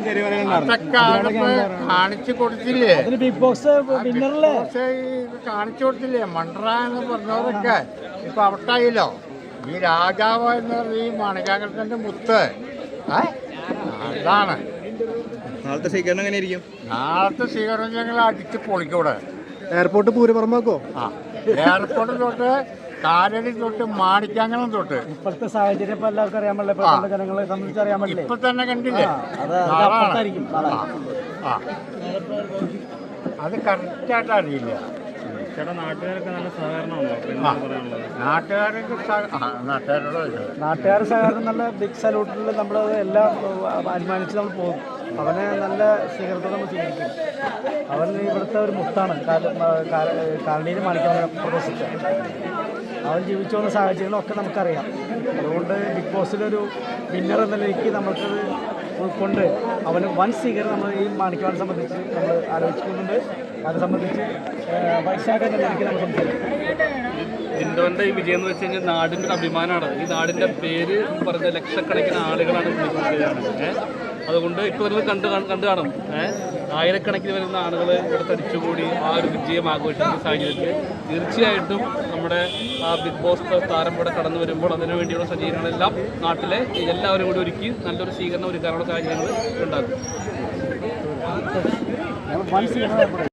കാണിച്ചു കൊടുത്തില്ലേ, big boss വിന്നറല്ലേ കാണിച്ചു കൊടുത്തില്ലേ മണ്ട്ര എന്ന് പറഞ്ഞവരൊക്കെ ഇപ്പൊ ഔട്ടായില്ലോ. ഈ രാജാവ് എന്ന് പറഞ്ഞ ഈ മണികാകൃഷ്ണന്റെ മുത്ത് അതാണ്. നാളത്തെ സ്വീകരണം എങ്ങനെയായിരിക്കും? നാളത്തെ സ്വീകരണം ഞങ്ങൾ അടിച്ച് പൊളിക്കൂടെ. എയർപോർട്ട് പൂരപ്പുറമാക്കോ? എയർപോർട്ട് തൊട്ട് കാലടി തൊട്ട് മാണിക്കാങ്ങണം തൊട്ട് ഇപ്പോഴത്തെ സാഹചര്യം ഇപ്പൊ എല്ലാവർക്കും അറിയാൻ പറ്റില്ല, ജനങ്ങളെ സംബന്ധിച്ച് അറിയാൻ പറ്റില്ല. ഇപ്പൊ തന്നെ കണ്ടില്ലേ, അത് കറക്റ്റായിട്ട് അറിയില്ല. നാട്ടുകാരൊക്കെ നല്ല സഹകരണമുണ്ടോ? നാട്ടുകാർ സഹകരണം നല്ല ബിഗ് സല്യൂട്ടിൽ നമ്മൾ എല്ലാം അനുമാനിച്ച് നമ്മൾ പോകും. അവനെ നല്ല സ്വീകരണത്തോടെ നമ്മൾ സ്വീകരിക്കും. അവൻ ഇവിടുത്തെ ഒരു മുത്താണ്, കാലണിയിൽ മാണിക്കാൻ പ്രദർശിച്ച. അവൻ ജീവിച്ചു വന്ന സാഹചര്യങ്ങളൊക്കെ നമുക്കറിയാം. അതുകൊണ്ട് ബിഗ് ബോസിലൊരു വിന്നർ എന്ന നിലയ്ക്ക് നമുക്കത് ഉൾക്കൊണ്ട് അവന് വൻ സ്വീകരണം നമ്മൾ ഈ മാണിക്കവാനെ സംബന്ധിച്ച് നമ്മൾ ആലോചിക്കുന്നുണ്ട്. അത് സംബന്ധിച്ച് വൈശാഖ എന്ന നിലയ്ക്ക് നമ്മൾ സംസാരിക്കും. ജിൻഡോന്റെ ഈ വിജയം എന്ന് വെച്ച് കഴിഞ്ഞാൽ നാടിൻ്റെ ഒരു അഭിമാനമാണ്. ഈ നാടിൻ്റെ പേര് പറഞ്ഞ ലക്ഷക്കണക്കിന് ആളുകളാണ് വിളിക്കുന്നത്. അതുകൊണ്ട് ഇപ്പോൾ നിങ്ങൾ കണ്ടു കാണും, ആയിരക്കണക്കിന് വരുന്ന ആളുകൾ ഇവിടെ തടിച്ചുകൂടി ആ ഒരു വിജയം ആഘോഷിക്കുന്ന സാഹചര്യത്തിൽ തീർച്ചയായിട്ടും നമ്മുടെ ആ ബിഗ് ബോസ് താരം ഇവിടെ കടന്നു വരുമ്പോൾ അതിനു വേണ്ടിയുള്ള സജ്ജീകരണങ്ങളെല്ലാം നാട്ടിലെ എല്ലാവരും കൂടി ഒരുക്കി നല്ലൊരു സ്വീകരണം ഒരുക്കാനുള്ള സാഹചര്യങ്ങൾ ഉണ്ടാകും.